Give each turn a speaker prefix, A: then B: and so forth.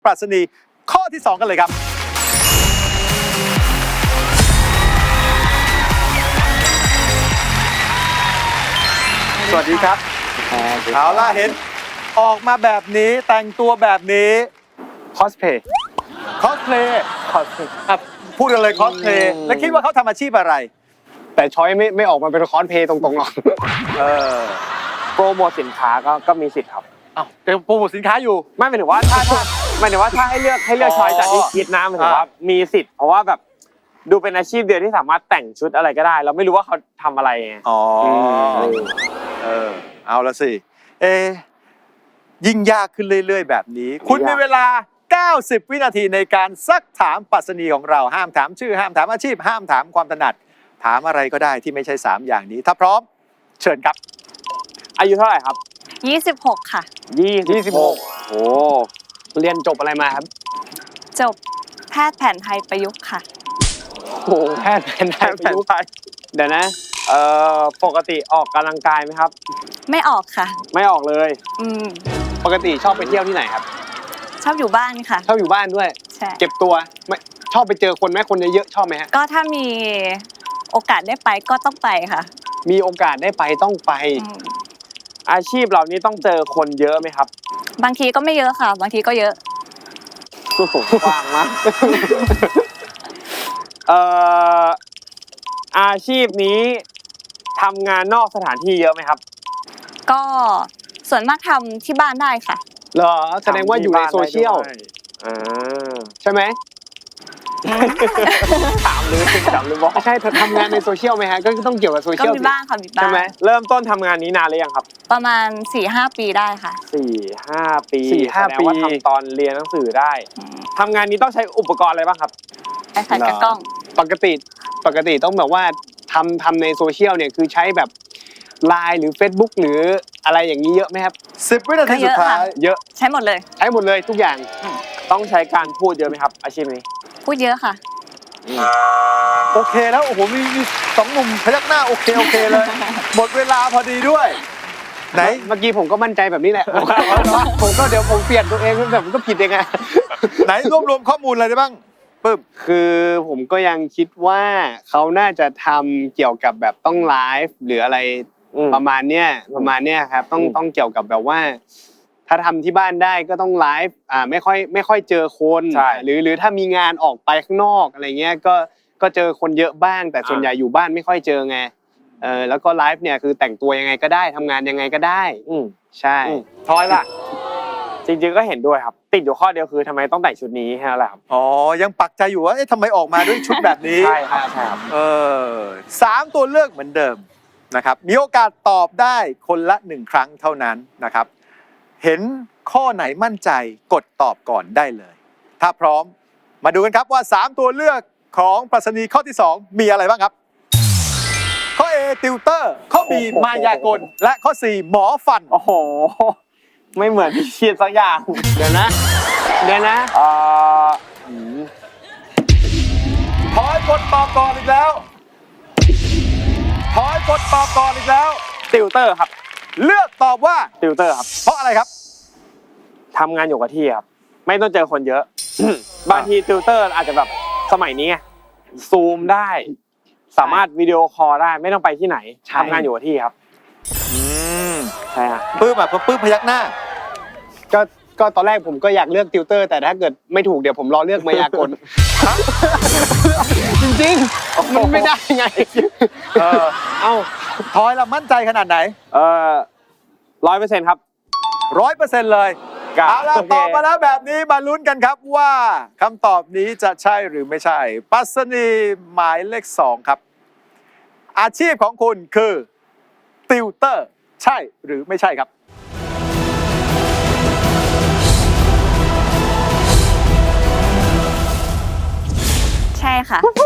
A: ปรัชนีข้อที่ 2 กันเลยครับสวัสดีครับเอาล่ะเห็นออกมาแบบนี้แต่งตัวแบบนี้
B: คอสเพย์
A: คอสเพลย์พูดกันเลยคอสเพลย์แล้วคิดว่าเขาทำอาชีพอะไร
B: แต่ช้อยไม่ออกมาเป็นคอสเพย์ตรงๆหรอกโปรโมทสินค้าก็มีสิทธิ์ครับ
A: อ้าวเป็นโปรโมทสินค้าอยู่
B: ไม่หมายถึงว่าถ้าให้เลือกช้อยจากที่คิดนะหมายถึงว่ามีสิทธิ์เพราะว่าแบบดูเป็นอาชีพเดียวที่สามารถแต่งชุดอะไรก็ได้เราไม่รู้ว่าเขาทำอะไรไง
A: อ๋อเอาละสิยิ่งยากขึ้นเรื่อยๆแบบนี้คุณมีเวลา90 วินาทีในการซักถามปรัชนีของเราห้ามถามชื่อห้ามถามอาชีพห้ามถามความถนัดถามอะไรก็ได้ที่ไม่ใช่3อย่างนี้ถ้าพร้อมเชิญครับ
B: อายุเท่าไหร่ครับ
C: 26ค่ะ
B: 26โอ้เรียนจบอะไรมาครับ
C: จบแพทย์แผนไทยประยุกต์ค่ะ
B: โอ้แพทย์แผนไทยประยุกต์เดี๋ยวนะปกติออกกำลังกายไหมครับ
C: ไม่ออกค่ะ
B: ไม่ออกเลยปกติชอบไปเที่ยวที่ไหนครับ
C: ชอบอยู่บ้านค่ะ
B: ชอบอยู่บ้านด้วย
C: ใช่
B: เก็บตัวไม่ชอบไปเจอคนไหมคนเยอะๆชอบไหมฮะ
C: ก็ถ้ามีโอกาสได้ไปก็ต้องไปค่ะ
B: มีโอกาสได้ไปต้องไปอาชีพเหล่านี้ต้องเจอคนเยอะไหมครับ
C: บางทีก็ไม่เยอะค่ะบางทีก็เยอะ
B: โอ้โหกว้างมากอาชีพนี้ทำงานนอกสถานที่เยอะไหมครับ
C: ก็ส่วนมากทำที่บ้านได้ค่ะ
B: เหรอแสดงว่าอยู่ในโซเชียลใช่ไหมถามเลยบอกใช่เธอทำงานในโซเชียลไหมฮะก็ต้องเกี่ยวกับโซเชียล
C: ก็มีบ้างค่ะมีบ้าง
B: ใช่ไหมเริ่มต้นทำงานนี้นานหรือยังครับ
C: ประมาณ 4-5 ปีได้ค่ะ
B: 4-5 ปีแสดงว่าทำตอนเรียนหนังสือได้ทำงานนี้ต้องใช้อุปกรณ์อะไรบ้างครับ
C: iPad กับกล้อง
B: ปกติต้องแบบว่าทำในโซเชียลเนี่ยคือใช้แบบ LINE หรือ Facebook หรืออะไรอย่างนี้เยอะไหมครับ
A: 10 วินาทีสุดท้าย
B: เยอะ
C: ใช้หมดเลย
B: ทุกอย่างต้องใช้การพูดเยอะไหมครับอาชีพนี้
C: พูดเยอะค่ะ
A: โอเคแล้วโอ้โหมี2 หนุ่มพยักหน้าโอเคเลยหมดเวลาพอดีด้วยไหน
B: เมื่อกี้ผมก็มั่นใจแบบนี้แหละผมก็เดี๋ยวผมเปลี่ยนตัวเองแต่ผมก็ผิดเองไง
A: ไหนรวมข้อมูลอะไรได้บ้างปึ๊บ
B: คือผมก็ยังคิดว่าเขาน่าจะทำเกี่ยวกับแบบต้องไลฟ์หรืออะไรประมาณเนี้ยครับต้องเกี่ยวกับแบบว่าถ้าทำที่บ้านได้ก็ต้องไลฟ์ไม่ค่อยเจอคนหรือถ้ามีงานออกไปข้างนอกอะไรเงี้ยก็เจอคนเยอะบ้างแต่ส่วนใหญ่อยู่บ้านไม่ค่อยเจอไงแล้วก็ไลฟ์เนี่ยคือแต่งตัวยังไงก็ได้ทำงานยังไงก็ได้ใช่
A: ทอยล่ะ
B: จริงๆก็เห็นด้วยครับติดอยู่ข้อเดียวคือทำไมต้องแต่งชุดนี้แค่นั้นแหละครับ
A: อ๋อยังปักใจอยู่ว่าทำไมออกมาด้วยชุดแบบนี้
B: ใช่ครับ
A: 3 ตัวเลือกเหมือนเดิมนะครับมีโอกาสตอบได้คนละ1 ครั้งเท่านั้นนะครับเห็นข้อไหนมั่นใจกดตอบก่อนได้เลยถ้าพร้อมมาดูกันครับว่า3 ตัวเลือกของปรัชนีข้อที่ 2มีอะไรบ้างครับข้อ A ติวเตอร์ข้อ B มายากลและข้อ C หมอฟัน
B: โอ้โหไม่เหมือนที่คิดสักอย่างเดี๋ยวนะ
A: ถอยกดตอบก่อนอีกแล้ว
B: ติวเตอร์ครับ
A: เลือกตอบว่า
B: ติวเตอร์ครับ
A: เพราะอะไรครับ
B: ทำงานอยู่กับที่ครับไม่ต้องเจอคนเยอะบางทีติวเตอร์อาจจะแบบสมัยนี้ซูมได้สามารถวิดีโอคอลได้ไม่ต้องไปที่ไหนทำงานอยู่กับที่ครับใช่ครับ
A: ปื้มพยักหน้า
B: ก็ตอนแรกผมก็อยากเลือกติวเตอร์แต่ถ้าเกิดไม่ถูกเดี๋ยวผมรอเลือกมายากลจริงๆมันไม่ได้ไง
A: ทอยเรามั่นใจขนาดไหน
B: 100%ครับ
A: 100%เลยเอาล่ะตอบมาแล้วแบบนี้มาลุ้นกันครับว่าคำตอบนี้จะใช่หรือไม่ใช่ปรัชนีหมายเลข 2ครับอาชีพของคุณคือติวเตอร์ใช่หรือไม่ใช่ครับ
C: ใช่ค่ะ